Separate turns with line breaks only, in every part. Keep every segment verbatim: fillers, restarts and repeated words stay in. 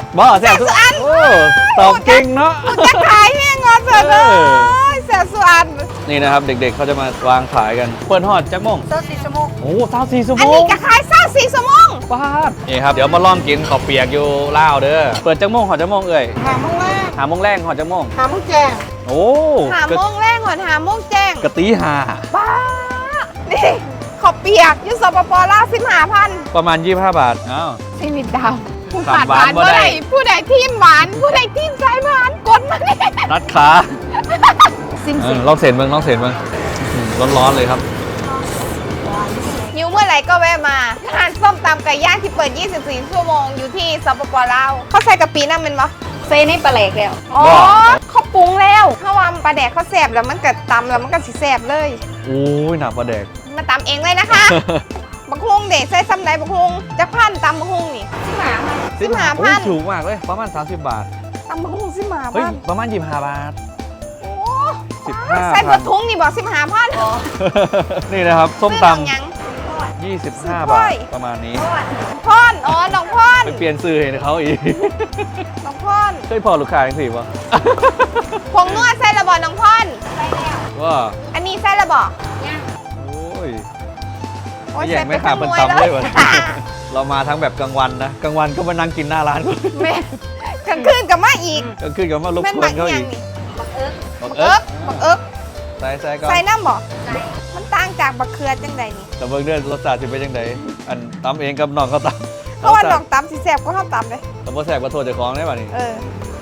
บ่แซ่บทุกอันโอ้ตอบเก่งเนาะ
จะขายแห้งงอเสร็จเลยแซ่บสุดอัน
นี่นะครับเด็กๆเขาจะมาวางขายกันเปิดฮอดจักโมง
เซอร์สี่ชั่วโมง
โอ้เช้าสี่ชั่วโมง
อันนี้จะขายเช้าสี่ชั่วโมง
ป้าดนี่ครับเดี๋ยวมาลองกินข้าวเปียกอยู่ลาวเด้อเปิดจักโมงหอดจักโมงเอ่ย
หาโมงแรก
หาโมงแรงหอดจักโมง
หาโมงแจ้ง
โอ้
หาโมงแรกหอดหาโมงแจ้ง
กะตีหา
บ้านี่ข้าวเปียกยูสปปลาวสิบห้าพัน
ประมาณยี่สิบห้าบาทอ้าว
ชีวิตดาวผู้ขาดหวานผู้ใดผู้ใดทีมหวานผู้ใดทีมสายหวานกดมาเนี่ย
นัดขา
ซิมซิ
ลองเสร็จมึงลองเสร็จมึงร้อนๆเลยครับ
ยูเมื่อไหร่ก็แวะมาร้านส้มตำไก่ย่างที่เปิดยี่สิบสี่ชั่วโมงอยู่ที่สปปลาวเขาใส่กะปิน้ำเป็นปะ
เซนี่ปลาแหลกแล้ว
อ๋อเขาปรุงแล้วถ้าวามปลาแดกเขาแสบแล้วมันก็ตำแล้วมันก็สิแสบเลย
โอ้ยหนักปลาแดก
มาตำเองเลยนะคะบักฮุงเด็กใส่ซ้ำไหนบักฮุงจักพันตำบักฮุงนี่สิบห้าพันสิบห้าพัน
ถูกมากเลยประมาณสามสิบบาท
ตำบักฮุงสิบห้า
พั
น
ประมาณยี่สิบห้าบาท
โอ้สิบห้าใส่บักฮุงนี่บอกสิบห้าพัน
นี่นะครับส้มตำยี่สิบห้าบาทประมาณนี้
พอนอ๋อน้องพอน
ไปเปลี่ยนซื้อให้เขาอีก
น้องพอน
เคยพอลูกค้าจังสิป่ะ
ผงนวดใส่ระบอน้องพอนใส่แล้ว
ว่า
อันนี้ใส่ระบอ
โอ้ย
โอ้ย
แย่งไม่ขาดเป็นตำเลยวะเรามาทั้งแบบกลางวันนะกลางวันก็มานั่งกินหน้าร้านกู
แม่กลางคืนกับมาอีก
กลางคืนกับมาลุกคนเขาอีก
บักเอิ๊กบักเอิ๊กบักเอิ๊ก
ใส่ใส่ก็
ใส่น้ำบ่มันต่างจากบักเขือจังใดนี่
แต่เบิ่งเด้อรสชาติสิเป็นจังไดอันตำเองกับน้องเขาตำ
เพราะว่าน้องตำสิแซ่บก็เขาตำเลย
แต่บ่แซ่บก็โทษเจ้าของได้ป่ะนี่
เออ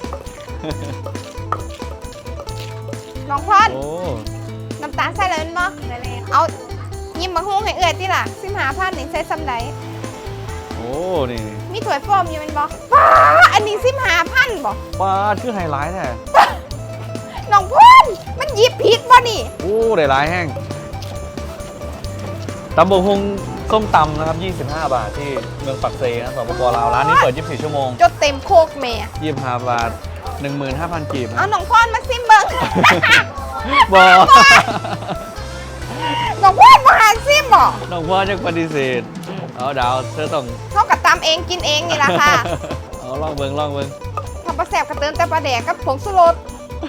น้องพอนน้ำตาลใส่เลยมั้ยเอายิ้มมาหุ้งให้เอื้อยที่ล่ะสิบห้าพันนี่ใส่ซ้ำใด
โอ้นี่
มีถ้วยโฟมอยู่มันบ่ป้าอันนี้สิบห้าพันบ่
ป้าชื่อไฮไลท์แท้
น้องพอนมันยิบผิดบ่นี่
โอ้ได้หลายแห้งตำบกฮุงส้มตำนะครับยี่สิบห้าบาทที่เมืองปักเซนะสปปลาวร้านนี้เปิดยี่สิบสี่ชั่วโมง
จดเต็มโคกแม่
ยี่สิบห้าบาท หนึ่งหมื่นห้าพัน กีบ
เอาน้องพอนมาซิมเบิ้ง
บอ
น้องพอนมาหาซิมบ่
น้องพอนยังปฏิเสธเอาดาวเธอต้อง
เท่ากับตำเองกินเองนี่แหละค่ะ
เอาลองเบิ้งลองเบิ้ง
ทำปลาแสบกระเติมแต่ปลาแดกกับผงชูรส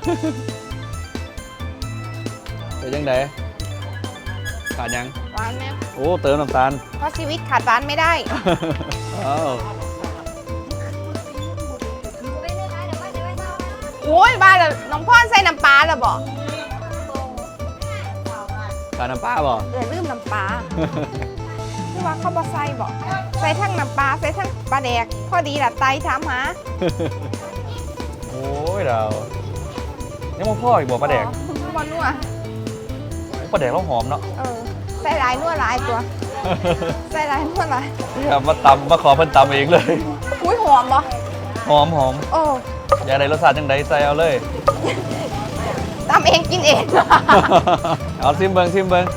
เป็นยังไงขาดยัง
หวานไหม
โอ้เติมน้ำตาล
เพราะชีวิตขาดหวานไม่ได้โอ้ยบ้าเลยน้องพ่อใส่น้ำปลาหรอบอก
การน้ำปลาบ่
เออลืมน้ำปลาที่ว่าเขาบอกใส่บอกใส่ทั้งน้ำปลาใส่ทั้งปลาแดกพอดีแหละไตถามหา
โอ้ยเรานี่มันพ่ออีกบอกปลาแดก
บอลนัว
ปลาแดกเราหอมเนาะ
เออใส่ลายนัวลายตัวใส่ลายนัวลาย
นี่มาตำมาขอเพิ่นตำเองเลย
อุ้ยหอมปะ
หอมหอม
โอ้
อยากได้รสชาติจังไดใส่เอาเลย
ตำเองกินเอง
เอาซิมเบิงซิมเบิง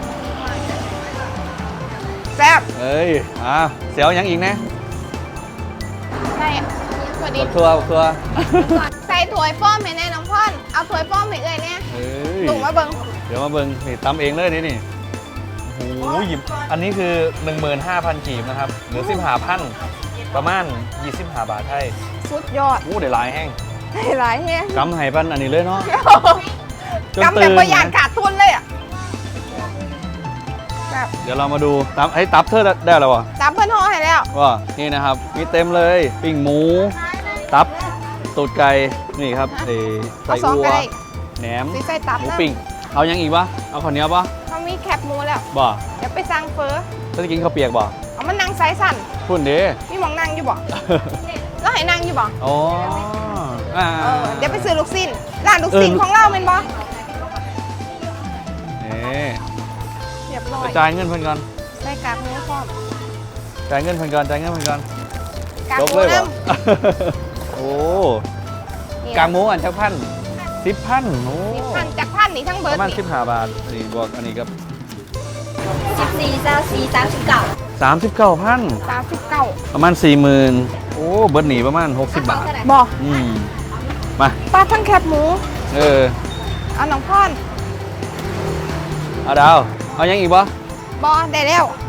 แซ่บ
เอ้ยอ่ะเสียวยังอีกนะ
ใช่
ถั่วดิบถั่วถั่ว
ใส่ถั่วป้อมให้แน่น้องพ่อนเอาถั่วป้อมให้เอ้ยเนี่ยตุ่มมาเบิง
เดี๋ยวมาเบิงนี่ตำเองเลยนี่นี่โอ้โหหยิบอันนี้คือ หนึ่งหมื่นห้าพัน กีบนะครับหรือสิบห้าพันประมาณยี่สิบห้าบาทไทย
สุดยอด
โอ้ได้หลายแห้ง
ได้หลายแห้ง
กำไห่ปันอันนี้เลยเนาะ
กำแบบประหยัดขาดทุนเลยอ่ะ
เดี๋ยวเรามาดูตับไอ้ตับเธอได้แล้ววะ
ตับเพื่อนห่อให้แล้ว
ว่านี่นะครับมีเต็มเลยปิ้งหมูตับตูดไก่นี่ครับไอ้ใส่อัวแหนมหมูปิ้งเอายังอีกปะเอาข้าวเหนียวปะ
เขามีแคบหมูแล้ว
บ่
เดี๋ยวไปสั่งเฟอ
จะกินข้าวเปียกบ่
เอามันนั่งไซส์สั่น
พุ่นเด้
มีมองนั่งอยู่บ่แล้วให้นั่งอยู่บ่
อ๋อ
เดี๋ยวไปซื้อลูกชิ้นร้านลูกชิ้นของเราเป็นบ่
นี่
เรียบร้อย
จ่ายเงินเพิ่นก่อน
ใส่กากหมูพร้อม
จ่ายเงินเพิ่นก่อนจ่ายเงินเพิ่นก่อน
กากหมูน้
ำโอ้กากหมูอันจักพันสิบพันโอ้
สิบพันจักพันนี่ทั้งเบิร์ด
ประมาณสิบห้าบาทนี่บวกอันนี้ครับ
สิบสี่เจ้าสี่สามสิบเก้า
สามสิบเก้าพัน
สามสิบเก้า
ประมาณสี่หมื่นโอ้เบิร์ดหนีประมาณหกสิบบาท
บ่
อืมมา
ปลาทั้งแคบหมู
เออ
เอาน้องพ่อน
เอาดาวเอายังอีกบ่
บ่ได้แล้ว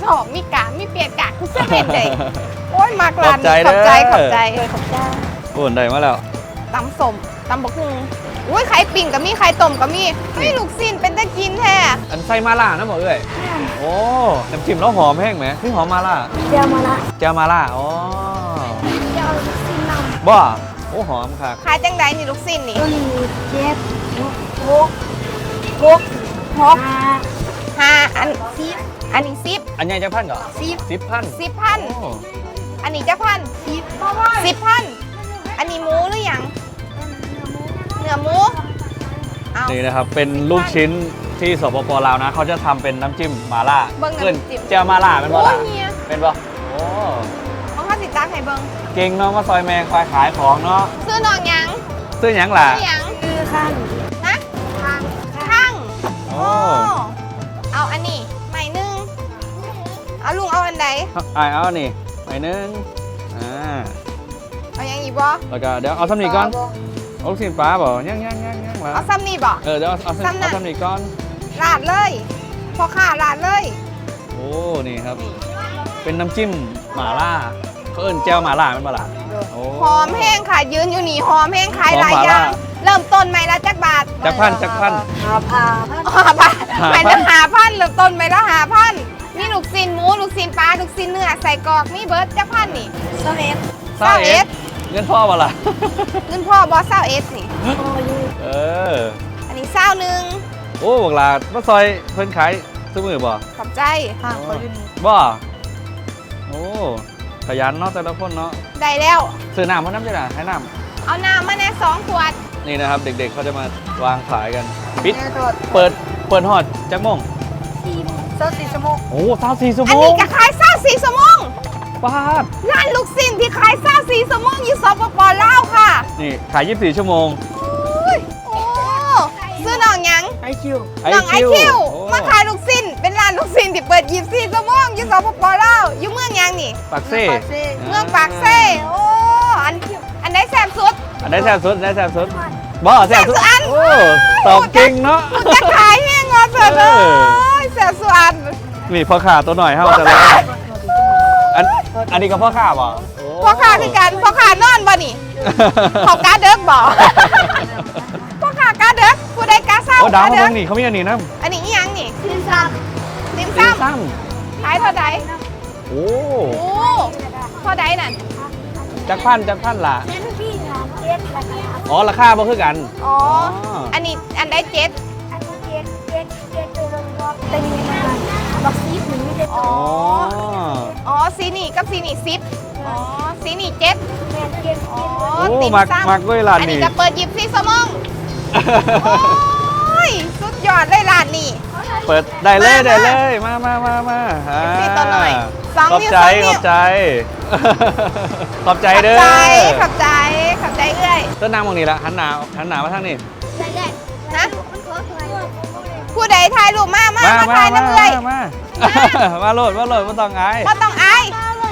สอบมีกะมีเปลี่ยนกะคือเส้นเด็ดเลยโอ้ยมากร้าน
ขอบใจ
ขอบใจ
เด้อ
ขอบใจขอบใจ
โอ้ได้มาแล้ว
ตำสมตำบกฮุงอุ้ยไข่ปิ่งกับมีไข่ต้มกับมีไม่ลูกซินเป็นตะกินแท้
อันใส่มาล่านะหมอเอ้ยโอ้น้ำจิ้มแล้วหอมแห้งไหมพี่หอมมาล่า
เจียวมาละ
แจวมาล่าอ๋อ
เจียวซีนำ
บ้าโอ้หอมค่ะ
ขายจังใดนี่ลูกซินนี่
ตัวนี้เจ็ดหกหก
หก
ห้า
ห้าอัน
สิบ
อันนี้สิบ
อันใหญ่จะพันเหรอ
สิบ
สิบพัน
สิบพัน
โอ้
อันนี้จะพัน
สิบ
สิบพันอันนี้หมูหรือยังเนื้อหมูเอา
นี่นะครับเป็นลูกชิ้นที่สปปลาวนะเขาจะทำเป็นน้ำจิ้มมาล่า
เบิ่ง
เกิน
น้ำจิ้ม
แจวมาล่าเป็นบ่
โอ้
ล่ะ
ยเนี่ย
เป็นบ่โอ้
ของข้าสิตักให้เบิ่ง
เก่งเนาะมาซอยแมงคอยขายของเนาะ
ซื้อน้องหยัง
ซื้อหยังล่ะ
ซื้อหยัง
คือข้าง
ฮะ
ข้าง
ข้าง
โอ้
เอาอันนี้ใหม่หนึงเอาลุงเอาอันใด
ไอายเอานี่ไปหนึงอ่า
เอายังอีกบ่
แล้วก็เดี๋ยวเอาซ้ำนี่ก่อนเอาลูกชิ้นปลาบ่ยังยังยังยังล่ะ
เอาซ้ำนี่บ่
เออเดี๋ยวเอาเอาซ้ำ
ซ้ำน่ะ
เอาซ้ำนี่ก่อน
ลาดเลยพอข่าลาดเลย
โอ้นี่ครับ เป็นน้ำจิ้มหม่าล่าเขาเอิ้นแจ่วหม่าล่าเป็นบ่ล่ะโอ้
หอมแห้งค่ะยืนอยู่นี่หอมแห้งขาย
หอม
หลาย
หม่า
อย่า
ล่า
งเริ่มต้นไหมละจักบาท
จักพันจักพัน
หาพา
อ๋อบาทหมายถึงหาพันเริ่มต้นไหมละหาพันมีลูกซินหมูลูกซินปลาลูกซินเนื้อใส่กรอกมีเบิร์ดจักพันนี่
สเวต
เศร้าเอสเงินพ่อบ่ล่ะ
เงินพ่อบอสเศร้าเอสนี่
โอยู
เออ
อันนี้เศร้าหนึ่ง
โอ้บอกลามาซอยเพิ่นขายซื้อมือบ่
ขอบใจ
ข้างคนนี้
บ่โอ้ขยันเนาะแต่ละคนเนาะ
ได้แล้ว
ซื้อน้ำเพราะน้ำจะน่ะให้น้
เอาน้ำมาแน่สองขวด
ำนี่นะครับ เด็กๆเขาจะมาวางขายกันปิด
แม่โดด
เปิดเปิดฮอดจักโมง
สี่โซสี่ชั่วโมง
โอ้สาวสี่ชั่ว
อั
โม
นนี้
ง
ก็ขายเศร้าสี่สมง
ป้าด
ร้านลูกซินที่ขายเศร้าสี่สมงอยู่สปปลาวค่ะ
นี่ขายยี่สิบสี่ชั่วโมง
อุ้ยโอ้ซื้อน้องหยัง
ไอคิว
น้องไอคิว
โอ้
มาขายลูกซินเป็นร้านลูกซินที่เปิดยี่สิบสี่ชั่วโมงอยู่สปปลาวอยู่เมืองหยังนี่
ปากเซ่
เมืองปากเซ่โอ้อันอันไหนแซ่บสุด
อันได้แซ่บสุดอันได้แซ่บสุดบ่แซ่บสุด
แซ่บสุดอัน
โอ้ตอบเก่งเนาะ
จะขายแห้งงอเสร็จเล
เออ
ยแซ่บสุดอัน
นี่พ่อขาตัวหน่อยเฮาจะเลยอันอันนี้ก็พ่อขาบ่โ
พ่อค้าคือกันพ่อค้านอนบ่นี่เขากาเด็กบ่พ่อค้ากาเด็กผู้ใดกาเศร้า
โอ้ดาว
กา
เขา
เด็
เพิ่
ก
งนี่เขามีอันนี้นะ
อันนี้อีหยังนี่
ซีซับ
ติม
ซี
ซ้
ซั่ง
ำขายเท่าใด
โอ้
โอ้เท่าใดนั่น
จักพันจักพันล่ะ
แม่พี่ครับเจ็ดราคา
อ๋อราคาบ่คือกัน
อ๋อ
อ๋ออั
อันนี้อันใดเจ็ด
อันนี้เจ็ดเจ็ดเจ็ดตัวรวมๆเป็นยังไงบักซีฟหนึ่งไม่ได้
อ๋อ
อ๋อ
อ๋อสีนี่กับสีนี่สิบอ๋อสีนี่เจ็ด
แม่เจ็ด
อ๋อ
โอ้
ติ่ม
มัก
ซ้ำ
มักด้วยร้าน
อันนี้
นี้
ก็เปิดยิบซีสมองโอ้ยสุดยอดเลยร้านนี้
เปิดได้เลย
มา
ได้เลยมามามามาอ่า
สิตัวหน่อยสอง
ขอบ
นิ้ว
ใจ
สองนิ้ว
ขอบใจ ขอบใจ
ขอบ
เด้อ
ใจขอบใจขอบใจเอ้ย
ต้นน้ำตรงนี้ละหันหนาหันหนามาทางนี้
นะผู้ใดถ่ายรูปมามา
มา
มา
มา
ถ่าย
มา
น้ำเอ้ย
มามาโหลดมาโหลดมาต้องอาย
ก็ต้องอาย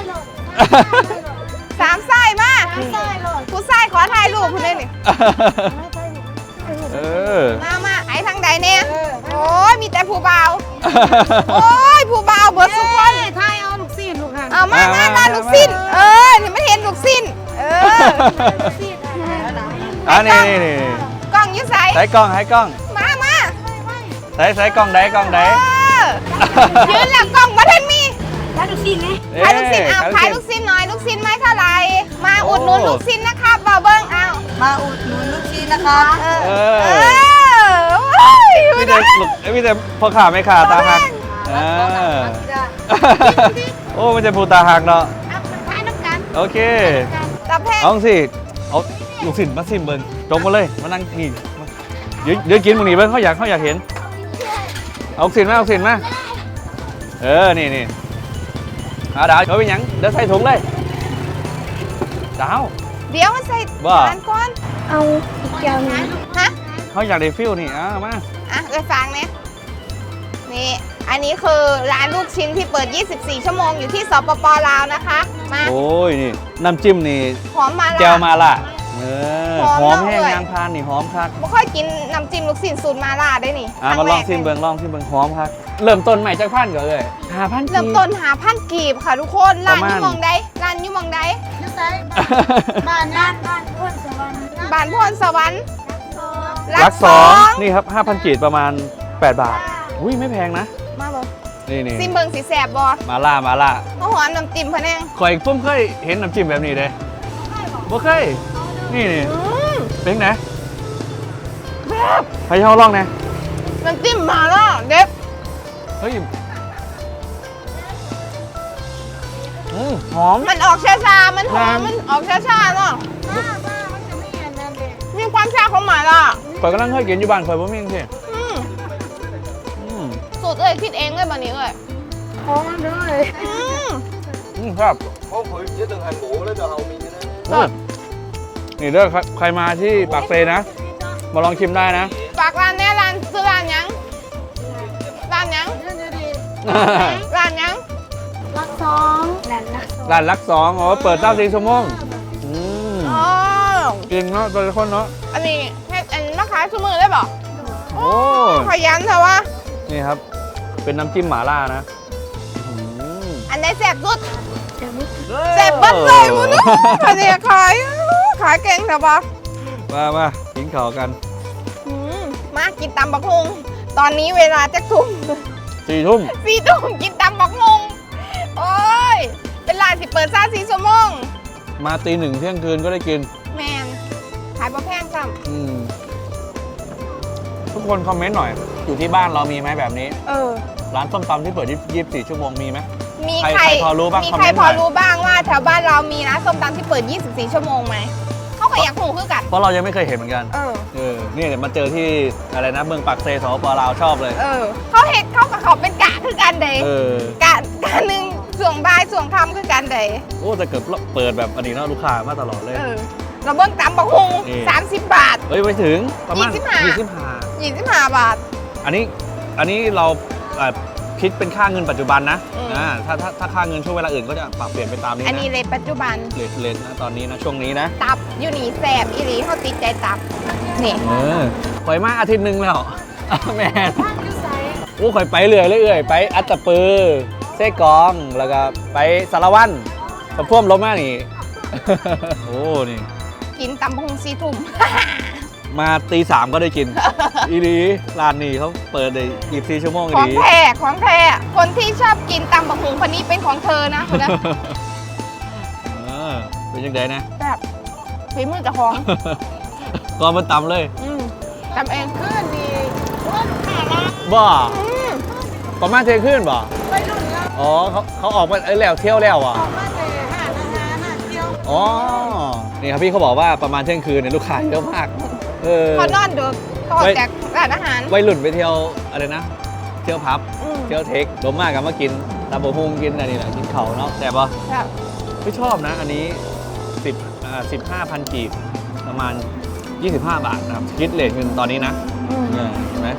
สามไส้มาผู้ไส้ขอถ่ายรูปคุณเลยนี่
เออ
มามาไอ้ทางใดเนี่ยโอ้ยมีแต่ผู้เบาวโอ้ยผู้เบาวเบิร์ดสุกคน
ไทยเอาลูกซีนลูกค่ะ
เอามามามาลูกสิ้น เออนี่ไม่เห็นลูกสิ้น เออ
อันนี้นี่นี่
กล้องอยุ่ใส
ใส่กล้องให้กล้อง
มามา
ใส่ใส่กล้องได้กล้อง
เอ
ได้
อยืนแล้วกล้องมาทันมี
แล้วลูกซีนไง
ขายลูกสิ้นเอาขายลูกสิ้นหน่อยลูกสิ้นไม่เท่าไหร่มาอุดหนุนลูกสิ้นนะครับบ่าวเบิ้งเอา
มาอุดหนุนลูกซีนนะคะ
เออ
เอ
เอ
อ
อโอ้ย
มีแต่ลูกมีแต่พ่อขาไม่ขาตาหักอ่าโอ้มันจะพูดตาหักเนาะ
เอามาขายน้ำกัน
โอเค
ตับแพง
เอาสิเอาลูกศิษย์มาซิมเบิ้งจงมาเลยมานั่งนี่มาเดี๋ยวเดี๋ยวกินมึงนี่เบิ้งเขาอยากเขาอยากเห็นเอาลูกศิษย์มาเอาลูกศิษย์มาเออนี่นี่เอาดาวเอาไปหยังเดี๋ยวใส่ถุงเลยดาว
เดี๋ยวมันใส่
ว่า
ร้านก่อน
เอาอีกแก้วนึง
ฮะ
เขาอยากได้ฟิลนี่อ่ามา
อ่ะเอ้ยฟังเนี่ยนี่ อันนี้คือร้านลูกชิ้นที่เปิด ยี่สิบสี่ ชั่วโมงอยู่ที่สปปลาวนะคะ มา
โอ้ยนี่น้ำจิ้มนี่
หอมมา
แจ่ว
ละ
มาล่ะอืเออ
หอม
หอม
เนอะ
แห้ง
เอ้ย
ยางพานนี่หอมคัก
บ่ค่อยกินน้ำจิ้มลูกชิ้นสูตรมาล่าได้นี่
อ่ะ
ครั้
มาลอง
แรก
ชิมเบิงลองชิมเบิงหอมคักเริ่มต้นใหม่จากพันก่อนเลยห้าพัน
เริ่มต้นหาพันกีบค่ะทุกคนร้าน
ประมาณ
อยู่หมองใดร้านอยู่หมองใด
ยูไซบ้านบ้านบ้านพ่นสวรรค์
บ้านพรสวรรค์
รักสองนี่ครับห้าพันกีดประมาณแปดบาทอุ้ยไม่แพงนะ
มาบ่
นี่นี่
ซิมเบิงสีแสบบ่
มาล่ามาล่า
มาหอมน้ำจิ้มพะแนง
ข่อยปุ้มเคยเห็นน้ำจิ้มแบบนี้เลยบ่เคยนี่นี่
อืม
เป็นไงใครเช่าลองนะ
น้ำจิ้มมาล่าเด็ด
เฮ้ยอืมหอม
มันออกชาๆมันหอม
น้ำ
มันออกชาๆเนาะ
บ้าบ้ามันจะไม่เห็นนั่นเลย
มีความชาของหมาล่า
ข่อยกำลังเคยกินอยู่บ้านข่อยบ่มีจังซี่
อืม
อืม
สูตรเอ้ยคิดเองเลยบันนี้เอ้ย
โค้งด้วย
อืม
อืมครับ
เพราะ佢一定係冇咧，就後面嘅咧。
อืมนี่เด้อใครใครมาที่ปากเซนะ มาลองชิมได้นะ
ฝากร้านแน่ร้านซื้อร้านหยังร้านหยัง
เรื่องนี้ดี
ร้านหยัง
รักสองแหลนรักสอง
ร้านรักสองอ๋อเปิดเก้าสี่ชั่วโมงอืม
อ๋อ
จริงเนาะตัวคนเนาะ
อันนี้ให้อันมาขายชั่วมือได้ป่ะ
โอ้
ขยันเถอะวะ
นี่ครับ เป็นน้ำจิ้มหม่าล่านะอืม
อันไหนแสบสุด
เดี๋ยวนี้
แสบเบัดเลยมึงนะอันนี้ขายขายเก่งเถอะปะ
มามากินข้าวกัน
อืมมากินตำบักฮุงตอนนี้เวลาจะทุ่ม
สี่ทุ่ม
สี่ทุ่มกินตำบักฮุงโอ้ยเป็นร้านที่เปิดซ่าสี่ชั่วโมง
มาตีหนึ่งเที่ยงคืนก็ได้กิน
แมนขายบะแพงซ้
อืมทุกคนคอมเมนต์หน่อย อยู่ที่บ้านเรามีไหมแบบนี้
ำเออ
ร้านส้มตำที่เปิดยี่สิบสี่ชั่วโมงมีไหม
มี
ใคร
ใคร
ใครพอรู้บ้าง
มี
คอม
ใคร
เมนต์
พ
หน่
อ
อย
รู้บ้างว่าแถวบ้านเรามีร้านส้มตำที่เปิด ยี่สิบสี่ ชั่วโมงไหม เขาก็อยากหูคือกัน
เพราะเรายังไม่เคยเห็นเหมือนกัน
เออ
เออนี่เดี๋ยวมาเจอที่อะไรนะเมืองปากเซสปลาวชอบเลย
เออ เขาเห็นเขากับเขาเป็นกะคือกันเดย
เออ
กะกะหนึ่งส่วงบ่ายส่วงค่ำคือกันเดย
โอ้แต่เกิดเปิดแบบอันนี้เนาะลูกค้ามาตลอดเลย
เออ เราเบิ้งตำบักฮุง
นี่
สามสิบบาท
เฮ้ยไปถึงประมาณ
ยี่สิบห้า
ยี่สิบห้า
ยี่สิบห้าบาท
อันนี้อันนี้เราเอ่อคิดเป็นค่าเงินปัจจุบันนะ
อืม
อ่าถ้าถ้าถ้าค่าเงินช่วงเวลาอื่นก็จะปรับเปลี่ยนไปตามนี้
อัน
นะ
นี้เลยปัจจุบัน
เลทเลทนะตอนนี้นะช่วงนี้นะ
ตับอยู่นี่แสบอีหลีเขาติดใจตับ นี่
เออข่อยมาอาทิตย์หนึ่งแล้ว แม่
บ้านยูไซ
โอ้ข่อยไปเรื่อยเรื่อยๆไปอัตตปือเซกองแล้วก็ไปสารวันสะพ่วมลมมานี่ โอ้นี่
กินตำบักฮุงสี่ทุ่ม
มาตีสามก็ได้กิน อีดีร้านนี้เขาเปิดได้ยี่สิบสี่ชั่วโมง
ของ
ดี
แท้ของแท้คนที่ชอบกินตำบักฮุงคนนี้เป็นของเธอนะคนนะ
เออเป็นยังไงนะ
แบบฝีมือเจะของ
ก็มันตำเลย
อืมทำเอง
ขึ้นดีว่าลูกค้าละ
บ่
อืม
ประมาณเทขึ้นบ่
ไปรุ่นแล้ว
อ๋อเขาเขาออกมาเอ้ยแล้วเที่ยวแล้วอ่ะ
ออกมาแต่ห้าอาหารน่ะเที่ยว
อ๋อ นี่ครับพี่เขาบอกว่าประมาณเที่ยงคืนเนี่ยลูกค้าเยอะมาก เออ
เขานอนดึกเขาออกจากร้านอาหาร
วัยรุ่นไปเที่ยวอะไรนะ เที่ยวพับ
อืม
เที่ยวเทครวมมากกันมากินตาโบฮุงกินอะไรนี่แหละกินเขาเนาะแต่ป่ะ
แบบ
ไม่ชอบนะ อันนี้สิบอ่าสิบห้าพันกีบประมาณยี่สิบห้าบาทนะครับคิดเลทเงินตอนนี้นะ
อืม
เนี่ยเห็นไหม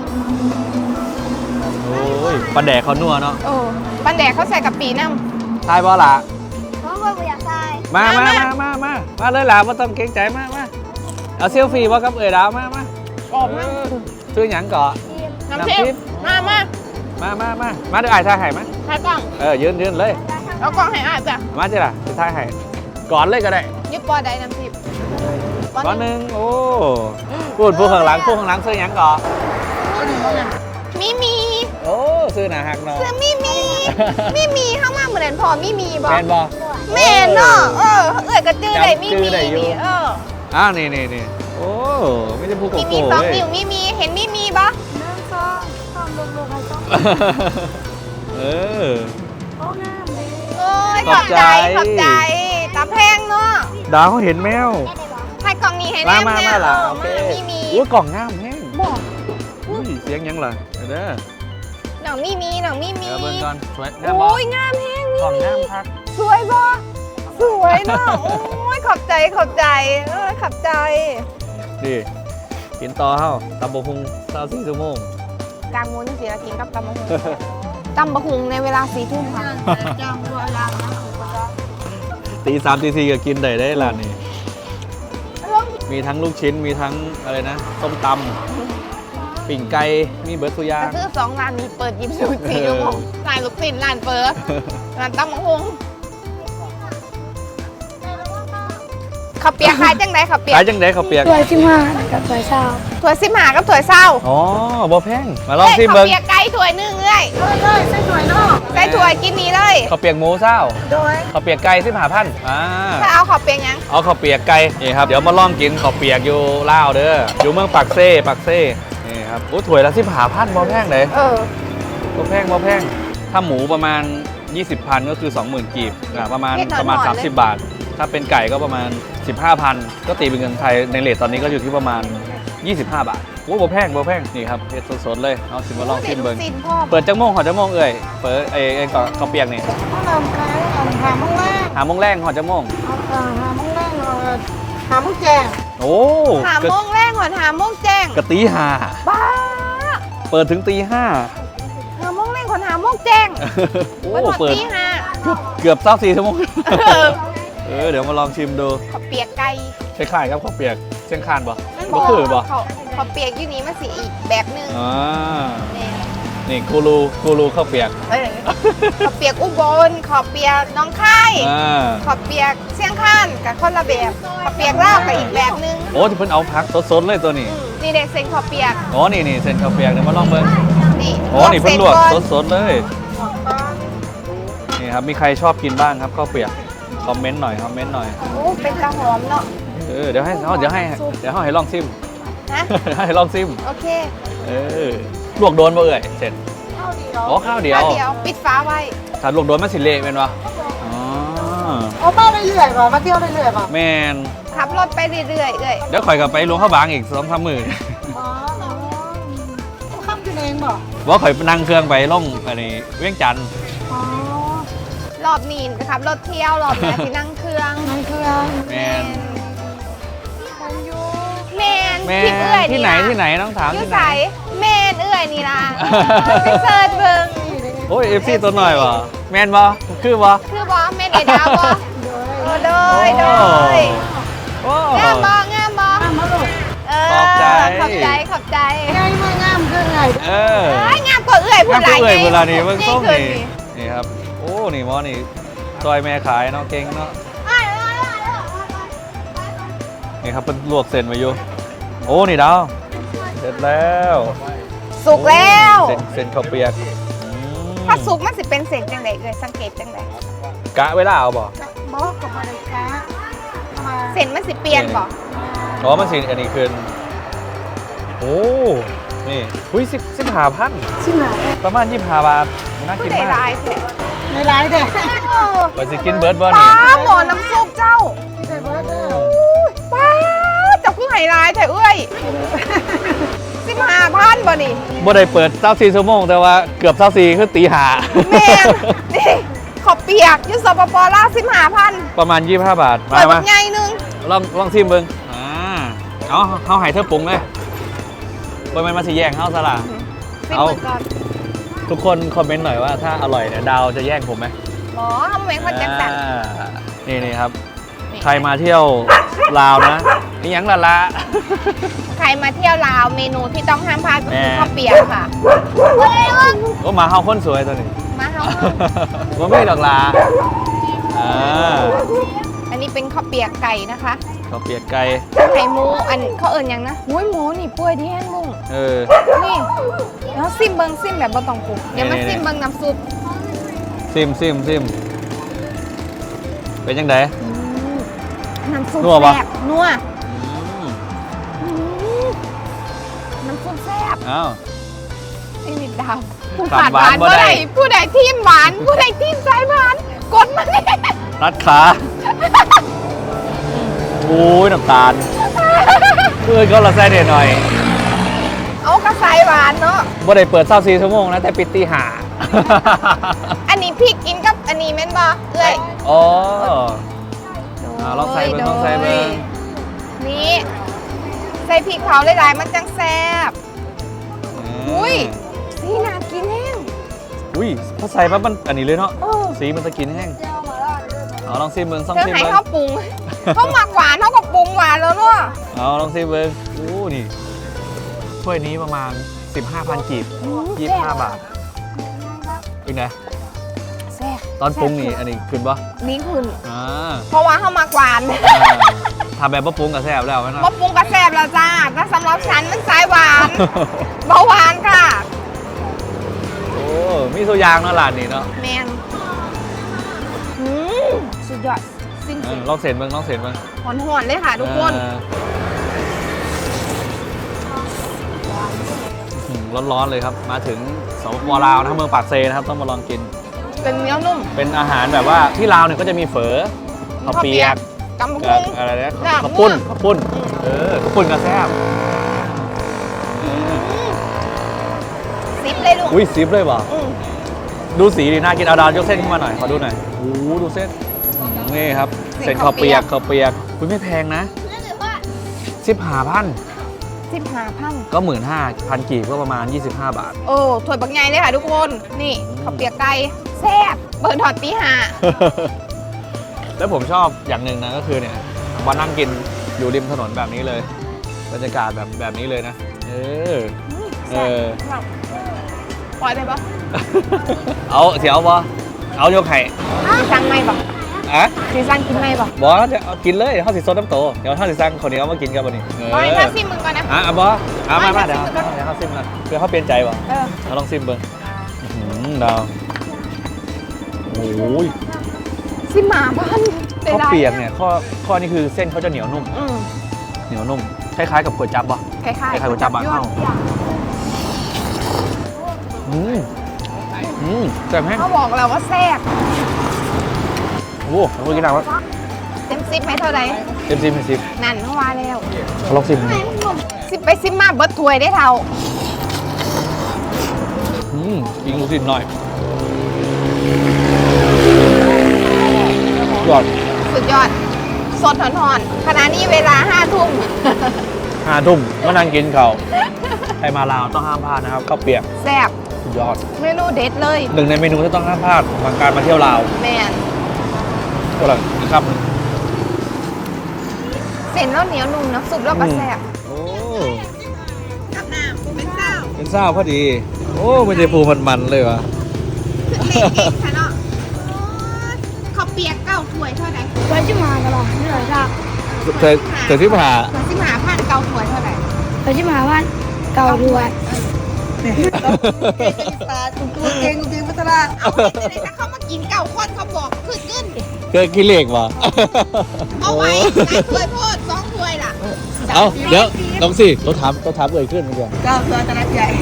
โอ้ยปลาแดกเขานัวเนาะ
เออปันแดกเขาใส่กับปีน้
ทายบอล่ะ
เพราะว่าไม่อยากได้
มา
มา
มา
มา
มามามามาเลยล่ะไม่ต้องเกรงใจมามาเอาเซลฟี่บ่กับเอ๋ยดาวมามา
ำออกมา
ซื้อหยังก่อ
น้ำทิพย์มามา
มามามามาเดี๋ยวไอ้ายถ่ายให้มา
ถ่ายกล้อง
เออยืนยืนเลย
เอากล้องให้อ่านจ้ะ
มาจ้ะล่ะจะถ่ายให้ก่อนเลยก็ได้
ยึดปอใดน้ำทิพย์
ก่อนหนึ่งโอ้พูดพูดข้างหลังพูดข้างหลังซื้อหยังก่อ
มีมี
โอ้ซื้อหนาหักเนาะ
ซื้อมีมีมีมีเข้ามาเหมือนพอมีมีบอ
แมนบอ
แม่เนาะเออเอื้อยกระจือได้มี
จำจื้
มี
อได้อยู่
นี่เออ
อ้าวนี่นี่นี่โอ้ไม่ได้พูดโก
มีมี
โก้
สอง
เลย
นิ้วมีมีเห็นมีมีปะ
หนึ่งสองสามลูกๆให้ต้อง
เออ
โอ้งามเลย
โอ้ย
ข
ข
อ
อ
บบ ใจ
ใจขอบใจตาแพงเนาะ
ดาวเขาเห็นแมว
ให้กล่องนี้ให้
มา
แน่
มา
แน่
มาล่ะ
เออ
โอเค
มามีมี
อุ้ยกล่องงามแห้ง
บอก
อุ้ยเสียงยังล่ะเด้อ
หนังมีมีหนังมีมี
เดี๋ยวเบิ่งก่อนสวยงามบอ
โอ้ยงามแห้งมี
กล่อง
มี
งามพัก
สวยปะสวยเนาะโอ้ยขอบใจขอบใจเออขอบใจ
ดีกินต่อเฮ้าตำบกฮุงสาวสี่ชั่วโมง
กลางมุ้นสิเรากินกับตำบะฮุงตำบะฮุงในเวลาสี่ทุ่มค่ะ
จำบัวลางนะ
ตีสามตีสี่ก็กินได้ได้ร้านนี้มีทั้งลูกชิ้นมีทั้งอะไรนะส้มตำปิ่งไก่มีเบิร์ดสุยา
ก็
ง
คือสองร้านนี้เปิดยี่สิบสี่ชั่วโมงร้านลูกศิษย์ร้านเปิดร้านตั้มมังฮงข้าวเปียกขายจังไดข้าวเปียก
ขายจังไดข้าวเปียก
ถ้วยสิบห้ากับถ้วยเช้า
ถั่วสิบหากับถั่วเศร้า
อ๋อบ่แพงมาลองซิม
ข้า
เบิ้
ว
ง
เปียกไก่ถั่วหนึ่งเลย
เลยใส่ถ้วยนอก
ใส่ถั่วกินนี้เลย
ข้าวเปียกหมูเศร้า
โดย
ข้าวเปียกไก่สิบห้าพันอ่า
ถ้าเอาข้าวเปียกยัง
เอาข้าวเปียกไก่นี่ครับเดี๋ยวมาลองกินข้าวเปียกอยู่ลาวเด้ออยู่เมืองปากเซ่ปากเซ่นี่ครับโอ้ถ้วยละสิบห้าพันบ่แพงเลย
เออ
บ่แพงบ่แพงถ้าหมูประมาณยี่สิบพันก็คือสองหมื่นกีบอ่าประมาณประมาณสามสิบบาท ถ้าเป็นไก่ก็ประมาณ สิบห้าพัน ก็ตีเป็นเงินไทยในเรทตอนนี้ก็อยู่ที่ประมาณ ยี่สิบห้า บาทโอ้บ่แพงบ่แพงนี่ครับเฮ็ดสดๆเลยเอาสิมาลองชิมเบิ่ง
สินพ่อ
เปิดจังโมงหอจังโมงเอ่ยเปิดไอ้ไอ้ก็ข้าวเปียกนี่
ข้าวหลามขายหาหามังแรก
หาโมงแรงหอจังโมง
เอาหามังแรกเอาหามังแจง
โอ้
หาโมงแรกหอนหาโมงแจ้ง
กะตีห้า
บ้า
เปิดถึงตีห้า
หาโมงแรกหอนหาโมงแจ้ง
โอ้
วันหอ
เปิด
ตีห้า
เกือบเศร้าสี่ชั่วโมง
เออ
เออเดี๋ยวมาลองชิมดู
ข้าวเปียกไก่
คล้ายๆครับข้าวเปียกเส้นคานบ่
มัน
บ่คือบ่
เขาเขาเปียกอยู่นี้มันสีอีกแบบหนึง
อ่า
นี่
นี่กูรูกูรูข้าวเปียก
เอ้ยเขาเปียกอุบลเขาเปียกหน้องคาย
อ่า
เขาเปียกเชียงคานกับคนละแบบเขาเปียกลาวกับอีกแบบหนึง
โอ้ที่เพิ่นเอาพักสดๆเลยตัวนี้
อืมนี่เด็กเซนเขาเปียก
อ๋อนี่นี่เส้นข้าวเปียกเดี๋ยวมาลองเบิ่ง
นี่
อ๋อนี่เพิ่นลวก
ส้ก่อน
สดๆเลย นี่ครับ มีใครชอบกินบ้างครับข้าวเปียก คอมเมนต์หน่อย คอมเมนต์หน่อย
โอ้เป็นกระหอมเนาะ
เออ เดี๋ยวให้เดี๋ยวให้ เดี๋ยวให้ลองซิม
นะ
ให้ลองซิม
โอเค
เออ ลวกโดนบ่เอ่ย เสร็จ
ข้าวเดียว
อ๋อ ข้าวเดียว
ข้าวเดียวปิดฟ้าไว้
ถ้าลวกโดนมันสิเละเป็นวะอ๋อ
เอามาเรื่อยๆป่ะมาเที่ยวเรื่อยๆป่ะ
แมน
ขับรถไปเรื่อยๆเอ้ย
เดี๋ยวข่อยกลับไปลวงข้าวบางอีกสองสามหมื่น
อ๋อข้ามกันเองป่ะ
ว่าข่อยนั่งเครื่องไปล่องอันนี้เวียงจันทน์
อ๋อ
รอบนี้นะครับรถเที่ยวรอบหน้าที่นั่งเครื่อง
นั่นคือ
แมน
แมน
แม
ที่เอื้อน ย
ที่ไหน
ล่ะ
ที่ไหนต้องถาม
อยู
ที่ไหน
ใสแมนเอื้อยนี่ล่ะไปเซิร์ชเบิ่ง
โอ้ยเอฟซีตัวหน่อยวะแมนบ่คือบ่
คือบอแมนเอดาวบอโอ้โดยโดย
โอ้
งามบองามบอ
ข้ามมาลูก
เออ
ขอบใจ
ขอบใจขอบใจ
ไงมางามคือไง
เออ
เอ้ยงามกว่าเอื้อยพูด
งาม
หลาย
กว่าเอื้อยเวลานี้เบิ่งส้ม
ขึ้
นี่ นี่ครับ โอ้ นี่หมอนี่ซอยแม่ขายเนาะเก่งเนาะ นี่ครับเป็นลวกเส้นไว้อยู่ โอ้ นี่ดาว เสร็จแล้ว
สุกแล้ว
เส้นเส้นข้าวเปียกอืม
ถ้าสุกมันสิเป็นเศษจังไดเอ้ยสังเกตจังได
กะเวลาเอาบ่
บอกกับมาเลยค่ะมา
เส้นมันสิเปลี่ยนบ่
อ๋อมันสิอันนี้คืนโอ้ นี่หุ้ยสิบสิบห้าพัน
ชิมหน่อย
ประมาณยี่สิบห้าบาท น่า
ผู้
กิน
ใด
มาก
ร้ายแท้
ในร้านเด็ก
ไปสิกินเบิร์ดบ่
ป้า
นี่
หมอน้ำซุปเจ้า
ที่ใส่เบอร์เดอร์
ป้าเจ้าคือไฮไลท์แท้เอ้ยสิบห้าพันบ่นี่
บ่ได้เปิดเจ้าสี่ชั่วโมงแต่ว่าเกือบเจ้าสี่คือตีหา
แม่นนี่ขอบเปียกอยูสปปลาวสิบห้าพัน
ประมาณยี่สิบห้าบาท
เปิ
มา
ดแบ
มา
บใหญ่หนึง
ลองลองชิมเบิ่งอ่าเอาเขาให้เธอปรุงเลยบ่แม่นมาสิแย่งเฮาซะล่ะ
สิบ
เอา
เปิดก่อน
ทุกคนคอมเมนต์หน่อยว่าถ้าอร่อยเนี่ยดาวจะแย่งผมไหม
หมอทำไมคนจังสัน
อ่านี่นี่ครับ ใครมาเที่ยวลาวนะนี่ยังละละ
ใครมาเที่ยวลาวเมนูที่ต้องห้ามพลาดก็คือ
แม่
ข้าวเปียกค่ะ
ก็มาเฮาคนสวยตัวนี้
มาเฮา
ว่าไม่ดอกลาอ่า
อันนี้เป็นข้าวเปียกไก่นะคะ
ข้าวเปียกไก่
ไข่หมูอันเขาเอิญยังนะหุ้ยหมูนี่ป่วยที่แห้งมุ้ง
เออ
นี่แล้วซิมเบิงซิมแบบบ่ต้องปรุงเดี๋ยวมา
นี่
ซิมเบิงน้ำซุป
ซิมซิมซิมเป็นยังไง
น้ำซุป
นัวปะ
แซ่บนัว
อืม
อืมน้ำซุปแซ่บ
อ้าว
ไอ้นิดดาวผู้
ขา
ขา
ด
ด
ห
ห
วาว
าน น
บ่
บ่
ได้
ได้ผู้ใดทีมหวาน ผู้ใดทีมสายหวาน กดมาเลย
รัดขาโอ้ยน้ำตาลเพื่อนก็ละใส่เด็ดหน่อย
เอากระสายหวานเนาะ
บ่ได้เปิดเช้าสี่ชั่วโมงนะแต่ปิดตีห้า
อันนี้พริกกินกับอันนี้แม่นบ่เอ้ย
อ๋อ อ่าลองใส่เบิ่งลองใส่เบิ่ง
นี่ใส่พริกเผาหลายๆมันจังแซ่บ อุ้ย สีน่ากินแห้ง
อุ้ยพอใส่ปั๊บมันอันนี้เลยเนาะ
เออ
สีมันจะกินแห้งเอาลองซิมเบิ่งซ่อง
เธอ
ซิม
ให้
เบิ่ง
เขาปรุง เขาหมักหวานเขาก็ปรุงหวานแล้วเนาะ
เอาลองซิเบิ้งโอ้นี่ถ้วยนี้ประมาณ สิบห้าพัน กีบยี่สิบห้าบาทเป็นไง
แซ่บ
ตอนปรุงนี่อันนี้ขึ้นปะ
นี่คุณ
อ่า
เพราะว่าเขามากหวาน
ทำแบบว่าปรุงกับแซ่บแล้วไหมนะ
มะปรุงกระแซบแล้วจ้าถ้าสำหรับฉันมันสายหวาน เบาหวานค่ะ
โอ้มีตัวอยางเนาะร้านนี้เนาะ
แมนอืมสุดยอดสิ้น
เอ
สุ
อ
ด
ลองเสร็จบ้างลองเสร็จบ้าง
หอนๆเลยค่ะทุกคน
เอออืมร้อนๆเลยครับ มาถึงสปปลาวนะครับเมืองปากเซนะครับต้องมาลองกิน
เป็นเนื้อนุ่ม
เป็นอาหารแบบว่าที่ลาวเนี่ยก็จะมีเฝอข้าวเปียก
กำ
กั
พุ
บ
ง
อะไรนะ
ลาบ
ข้าวปุ้น
มั่ว
ข้าวปุ้นเออข้าวปุ้นกับแซ่บเออ
ซิปเลยลูก
อุ้ยซิปเลยว่ะ
อืม
ดูสีดีน่ากินเอาดาวยกเส้นขึ้นมาหน่อยขอดูหน่อยโอ้โหดูเส้นอืมนี่ครับเส้นข้าวเปียกข้าวเปียกคุณไม่แพงนะสิบห้าพัน
สิบห้าพัน
ก็หมื่นห้าพันกีบก็ประมาณ ยี่สิบห้า บาท
โอ้ถ้วยบักใหญ่เลยค่ะทุกคน นี่ข้าวเปียกไก่แซ่บเปิดถอดตีห้า
แล้วผมชอบอย่างหนึ่งนะก็คือเนี่ยมานั่งกินอยู่ริมถนนแบบนี้เลยบรรยากาศแบบแบบนี้เลยนะ เออ เออ
ปล่อยไปปะ
เอาเสียวบอเอาโยกไข่
สีสั่งไม่ปะ
อะ
สีสั่งกินไม่ปะ
บอจะเอากินเลยเดี๋ยวเขาสิซดน้ำโตเดี๋ยวเขาสิสั่งคนนี้เอามากินกันวันนี้เออ
ปล่อยถ้าซิมมึงก่อนนะ
อ่ะเอาบอเอามา
ไม่
มา
ไม่
เดี๋ยว
ซิมก่อน
เดี๋ยวเขาซิมกันเพื่อเขาเปลี่ยนใจวะ
เออ
เราลองซิมเบิ้งอื้อหือดาวโอ้ย
ซิมหมาพัน
ข้าวเปียกเนี่ยข้อข้อนี้คือเส้นเขาจะเหนียวนุ่ม
อืม
เหนียวนุ่มคล้ายๆกับก๋วยจั๊บปะ
คล้ายๆ
คล้ายๆก๋วยจั๊บบางเข้า อืมอืมแซ่บแห้ง
เขาบอกแล้วว่าแซ่บ
โอ้โหเรากินหนักวะ
เต็มซิปไหมเท่าไหร่
เต็มซิมเต็มซิม
นั่นเขาว่าแล้ว
เขาลองซิมดู
ซิปไปซิปมาเบิดถ้วยได้เท่า
อืมยิงลูกศิษย์หน่อยยอด
สุดยอด สดหอนๆขณะนี้เวลาห้าทุ่ม
ห้าทุ่มมานั่งกินเขาวใครมาลาวต้องห้ามพลาดนะครับข้าวเปียก
แซ่บ
สุดยอด
เมนูเด็ดเลย
หนึ่งในเมนูที่ต้องห้ามพลาดของการมาเที่ยวลาว
แมน
ก็เลยอีกครับ
เส้นแล้วเหนียวนุ่มน้ำซุปแล้วก็แซ่บ
โอ้
กับน้ำเป็นเจ้า
เป็นเศร้าพอดี โอ้ไม่ได้ปูมันๆเลยวะ
เล็กเองค่ะเนาะข้าวเปียกเก้าถ้วยเท่าไหร่
ไว้ที่มาตลอดนี่เลยจ้า
เธอเธอที่ผ่า
เหมือนสิบห้าพันเก้าถ้วยเท่าไหร่
ไว้ที่มาว่าเก่าด้วย
ตาตุ้งตัวเก่งจริงพัฒนาเอาไปเลยถ้าเขามากินเก้าคนเขาบอกคือขึ้น
เกิดกิเลสวะ
เอาไว้หลายถ้วยโพดสองถ้วยล่ะ
เอาเดี๋ยวลองสิเราถามเราถามเอ่ยขึ้นเมื่อกี้
เก้าถ้วยตะนับใหญ่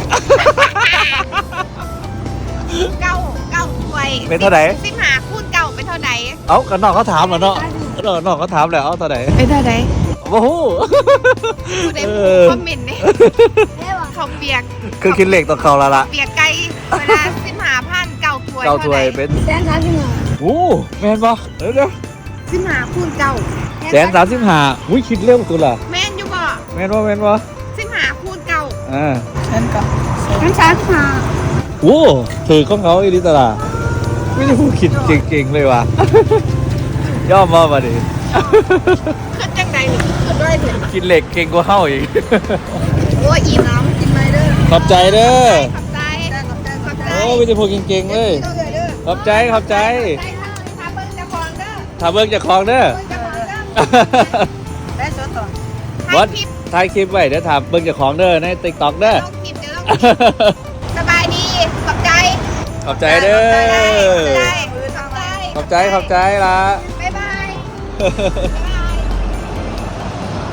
เก้าเก้าถ้วย
เป็นเท่าไหร่
สิบห้าคูณเก้าเป็นเท่าไหร่
เอากันนอกเขาถามเหรอเนาะนอกนอกเขาถามแหละเอาเท่าไหร่
เป็นเท่าไหร่
โอ้โห
ผู้ใดคอมเมนต์เนี่ยเขาเปียก
คือคิดเลขต่อเขาและละ
เปียกไก่เวลาสิบห้าพันเก้าถ้วย
เก้าถ้วยเป็น
แสนสามสิบห้า
โอ้แมนปะเดี๋ยวเดี๋ยว
สิบห้าคูณเก้า
แสนสามสิบห้าอุ้ยคิดเร็วตัวละ
แม่นอยู่บ่
แมนวะแมนวะ
สิบห้าคูณเก้า
อ่า
แสนสามสิบห้า
โอ้ถือของเขาอีลิตลาไม่ได้พูดคิดเก่งๆเลยว่ะ ย่อมมามาดิ
ขึ้นจังใดนี่ขึ้นด้วยเถอะ
กินเหล็กเก่งกว่าเข้าอีก
โอ้ยอิ่มน้ำกินไปเด้อ
ขอบใจเด้อ
ขอบใจขอบใจขอบใจ
โอ้ไม่ได้พูดเก่งๆเลย
เด้อเด้อ
ขอบใจขอบใจ
ใจถ้าเบิ้งจะคลองเด้อ
ถ้าเบิกจะคลองเด้อ
เบิ้งจะคลองเด้อได้สดต่อ
วั
ถ่า
ด
ยคลิป
ถ่ายคลิปไว้เดี๋ยวถามเบิกจะคลองเด้อในติ๊กต็อกเด้อ
ลงคลิปเดี๋ยวลงคลิปสบายดีขอบใจ
ขอบใจเด้อ
ขอบใจขอบใจ
ขอบใจขอบใจละ
บ๊ายบายบ๊ายบาย